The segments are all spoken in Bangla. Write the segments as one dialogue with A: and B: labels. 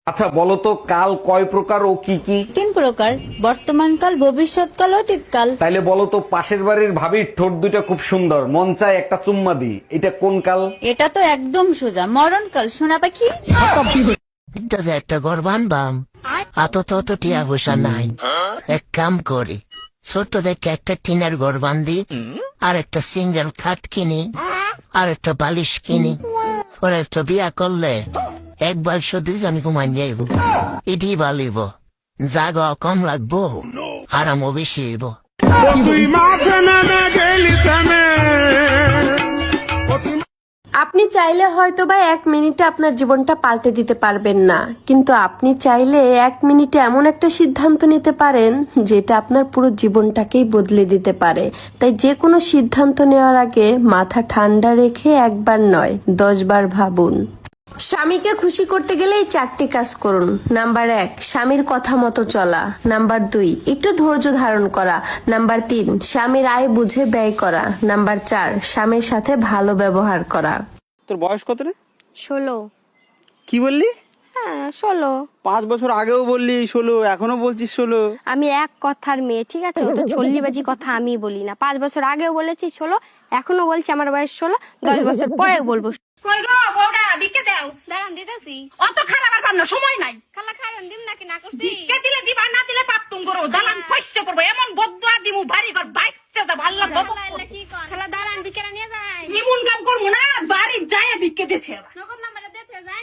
A: আচ্ছা বলো তো কাল কয় প্রকার ও কি কি?
B: 3 প্রকার, বর্তমানকাল, ভবিষ্যৎকাল, অতীতকাল।
A: তাইলে বলো তো পাশের বাড়ির ভাবির ঠোঁট দুটা খুব সুন্দর, মন চায় একটা চুম্মা দি, এটা কোন কাল?
B: এটা তো একদম সোজা, মরণকাল। সোনা পাখি।
C: যদি একটা ঘর বানবাম অত টিয়া পয়সা নাই, এক কাম করি ছোট দেখে একটা টিনের ঘর বান্ধি, আর একটা সিঙ্গেল খাট কিনি, আর একটা বালিশ কিনি, পরে একটা বিয়া করলে একবার শুধু আমি ঘুমান যাইব, এটি বালিব, জাগা কম লাগবো, আরামও বেশি হইব।
D: আপনি চাইলে হয়তো বা 1 মিনিটে আপনার জীবনটা পাল্টে দিতে পারবেন না, কিন্তু আপনি চাইলে 1 মিনিটে এমন একটা সিদ্ধান্ত নিতে পারেন যেটা আপনার পুরো জীবনটাকেই বদলে দিতে পারে। তাই যে কোনো সিদ্ধান্ত নেওয়ার আগে মাথা ঠান্ডা রেখে একবার নয় 10 বার ভাবুন। স্বামীকে খুশি করতে গেলে এই 4টি কাজ করুন। নাম্বার 1, স্বামীর কথা মতো চলা। নাম্বার 2, একটু ধৈর্য ধারণ করা। নাম্বার 3, স্বামীর আয় বুঝে ব্যয় করা। নাম্বার 4, স্বামীর সাথে ভালো ব্যবহার করা।
E: তোর বয়স কত রে?
F: 16।
E: কি বললি?
F: হ্যাঁ 16।
E: 5 বছর আগেও বললি 16, এখনো বলছিস 16।
F: আমি এক কথার মেয়ে, ঠিক আছে? ও তো চল্লিবাজি কথা আমি বলি না। 5 বছর আগেও বলেছি 16, এখনো বলছি আমার বয়স 16, 10 বছর পরে বলবো।
G: কই গো বউডা বিকে দাও।
H: দাঁড়ান দিতেছি।
G: অত খারাপ আর পারনা, সময় নাই।
H: খালা খারান দিম নাকি না করছি?
G: বিকে দিলে দিবা, না দিলে পাপ তুম করো। দালান কষ্ট করবো, এমন বদুয়া দিমু বাড়ি ঘর বাইচ্চা দা ভাল্লা বদ।
H: খালা কি কন? খালা দাঁড়ান বিকেরা নিয়ে যায়।
G: ইমুন কাম করমু না, বাড়ি যায় বিকে দিতে হবে।
H: নগদ নাম্বারে দিতে যান।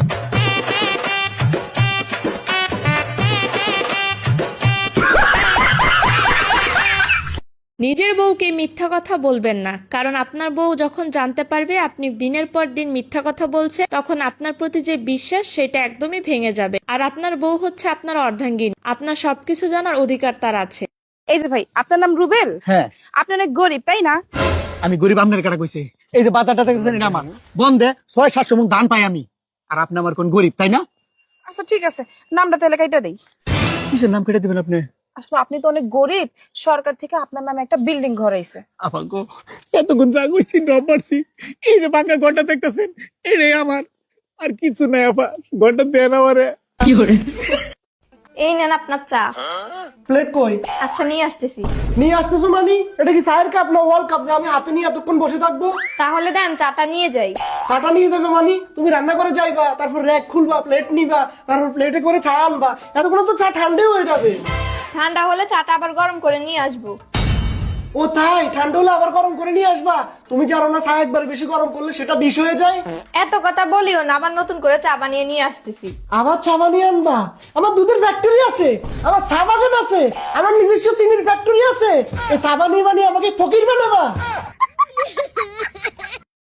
I: নিজের বউকে মিথ্যা কথা বলবেন না, কারণ আপনার বউ যখন জানতে পারবে আপনি দিনের পর দিন মিথ্যা কথা বলছে, তখন আপনার প্রতি যে বিশ্বাস সেটা একদমই ভেঙে যাবে। আর আপনার বউ হচ্ছে আপনার অর্ধাঙ্গিনী, আপনার সবকিছু জানার অধিকার তার আছে।
J: এই যে ভাই, আপনার নাম রুবেল?
K: হ্যাঁ।
J: আপনি অনেক গরিব তাই না?
K: আমি গরিব আপনার কাটা কইছে? এই যে বাজারটা দেখতেছেন এটা আমার, বন্ধে 600-700 মণ ধান পাই আমি, আর আপনি আমার কোন গরিব তাই না?
J: আচ্ছা ঠিক আছে, নামটা তাহলে কাইটা দেই।
K: কিসের নাম কেটে দিবেন আপনি?
J: আসলে আপনি তো অনেক গরিব, সরকার থেকে আপনার নামে একটা বিল্ডিং ঘর আইছে।
K: আপা গো, এতক্ষণ যা কইছি ডব মারছি, এই যে বাঁকা ঘরটা দেখতেছেন এটাই আমার, আর কিছু নাই আপা, ঘরটা দেন আমারে। কি করে?
F: এই নেন আপনার চা।
K: প্লেট কই?
F: আচ্ছা নিয়ে আসতেছি।
K: নিয়ে আসতেছো মানে? এটা কি চায়ের কাপ না ওয়ার্ল্ড কাপ যে আমি হাতে নিয়ে এতক্ষণ বসে থাকবো?
F: তাহলে দেন চাটা নিয়ে যাই।
K: চাটা নিয়ে যাবে মানে? তুমি রান্না করে যাইবা, তারপর র্যাক খুলবা, প্লেট নিবা, তারপর প্লেটে করে চা আনবা, এতক্ষণ তো চা ঠান্ডাই হয়ে যাবে।
F: ঠান্ডা হলে চাটা আবার গরম করে নিয়ে আসবো।
K: ও তাই? ঠান্ডা হলে আবার গরম করে নিয়ে আসবা? তুমি জানো না চা একবার বেশি গরম করলে সেটা বিষ হয়ে যায়?
F: এত কথা বলিও না, আবার নতুন করে চা বানিয়ে নিয়ে আসতেছি।
K: আবার চা বানিয়ে আনবা? আমার দুধের ফ্যাক্টরি আছে, আমার চা বাগান আছে, আমার নিজস্ব চিনির ফ্যাক্টরি আছে, এই চা বানিয়ে বানিয়ে আমাকে ফকির বানাবা?